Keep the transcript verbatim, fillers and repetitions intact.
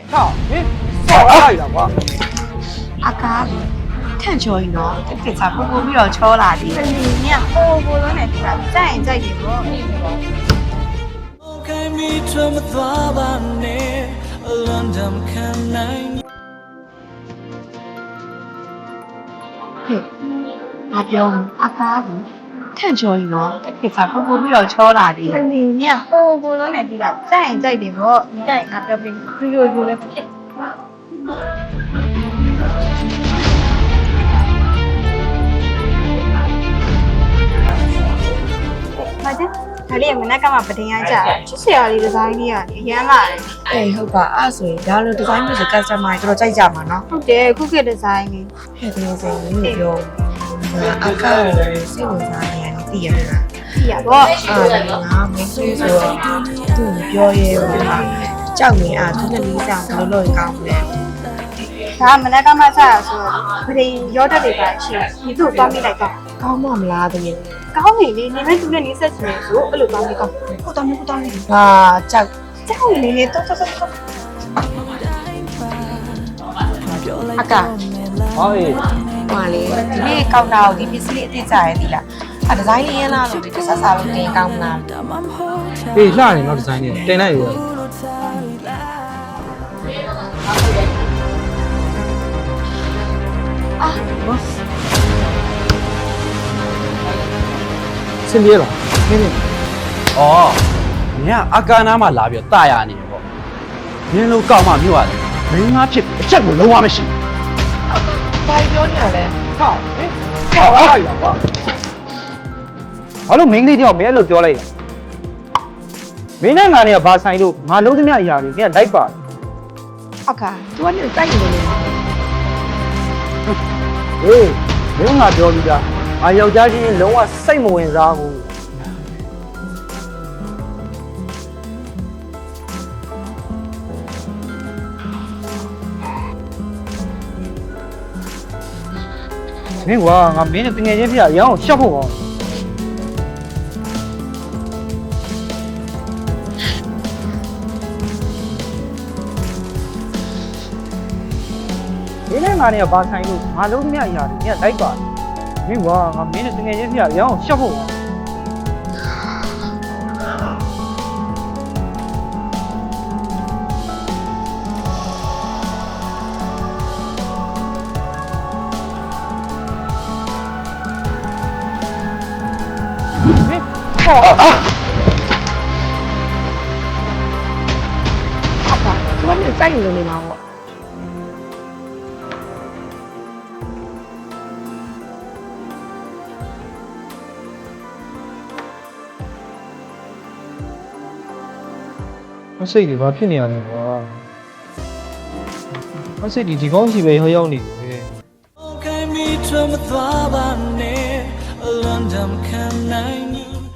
操，你少来了我。 阿嘎，看球赢了，这给咱不不必要抽啦的。 你呀，我我都来对吧？再再给我。 嘿，阿彪，阿嘎，看球赢了，这给咱不不必要抽啦的。 你呀，我我都来对吧？再再给我，你再拿标兵，哎呦呦嘞！ဘာလဲဒါလေးမနက်ကမှပတင်ရကြချစ်စရာလေးဒီဇိုင်းလေးကနေအရန်လာတယ်အေးဟုတ်ပါအဲ့ဆိုရင်ဒါလိုဒီဇိုင်းမျိုးဆို customer တွေတော်တော်ကြိုက်ကြမှာနော်ဟုတ်တယ်ခုခေတ်ဒီဇိုင်းလေးဟဲ့ဒီလိုဆိုရင်မျိုးပြောအကားကိုစိတ်ဝင်စားနေရတယ်သိရမလားကြည့်ရပေါ့အာဒီငါမင်းဆိုဆိုတော့သူ့ပြောရဲဘူးဟာကြောက်နေအားသူနဲ့လေးစားဘယ်လိုလုပ်ရင်ကောင်းမလဲဒါမနက်ကမှစရဆိုတော့ပတင်ရောတက်တွေပါရှိဒီသူ့ကိုသွားမိလိုက်တော့ကောင်းမမလားတကယ်ကောင်းနေလေနေမဲ့သူနဲ့နေဆက်ချင်တယ်ဆိုအဲ့လိုသွားမိကောင်းဟုတ်တော့မဟုတ်တော့နေဟာကြောက်ကြောက်နေလေတော့တော့တော့အကား好诶， ဟွာလေဒီနေ့ကောင်းတာကိုဒီပစ္စည်းလေးအစ်စ်ကြရဲသီလားအဲဒီဇိုင်းလေးရင်းလားလို့ဒီတစ်ဆက်စားလို့တင်ကောင်းမလား诶，那你那 design 呢？တင်လိုက်ရအာဘောစင်ပြေလားနင်းနေဩမင်းကအကာနာမှာလာပြီးတာရနေပေါ့မင်းလို့ကောက်မှမြို့ရတယ်မင်းငါဖြစ်အချက်ကိုလုံးဝမရှိဘာပြောနေရလဲဟောဟင်ဟောလိုက်တာကွာဘာလို့မင်းကလေးတယောက်မင်းအဲ့လိုပြောလိုက်လဲမင်းနဲ့ငါနဲ့ကဘာဆိုင်လို့ငါလုံးသမျှအရာတွေမင်းကလိုက်ပါတယ်အကား तू ကနေတိုက်နေလို့ဟေးမင်းငါပြောပြီးသားငါယောက်ျားချင်းလုံးဝစိတ်မဝင်စားဘူးမင်းကွာငါမင်းနဲ့တငယ်ချင်းပြရအောင်ရှောက်ဖို့ကောမင်းနဲ့ငါနဲ့ကဘာဆိုင်လို့ငါလုံးသမျှအရာတွေမင်းကလိုက်ပါတယ်မင်းကွာငါမင်းနဲ့တငယ်ချင်းပြရအောင်ရှောက်ဖို့ဟောအကား तू ကနေတိုက်နေလို့နေမှာပေါ့မစိတ်တွေဘာဖြစ်နေရလဲကွာမစိတ်တွေဒီကောင်းစီပဲရောက်ရောက်နေတယ် Okay, me to my thought, I need a London can I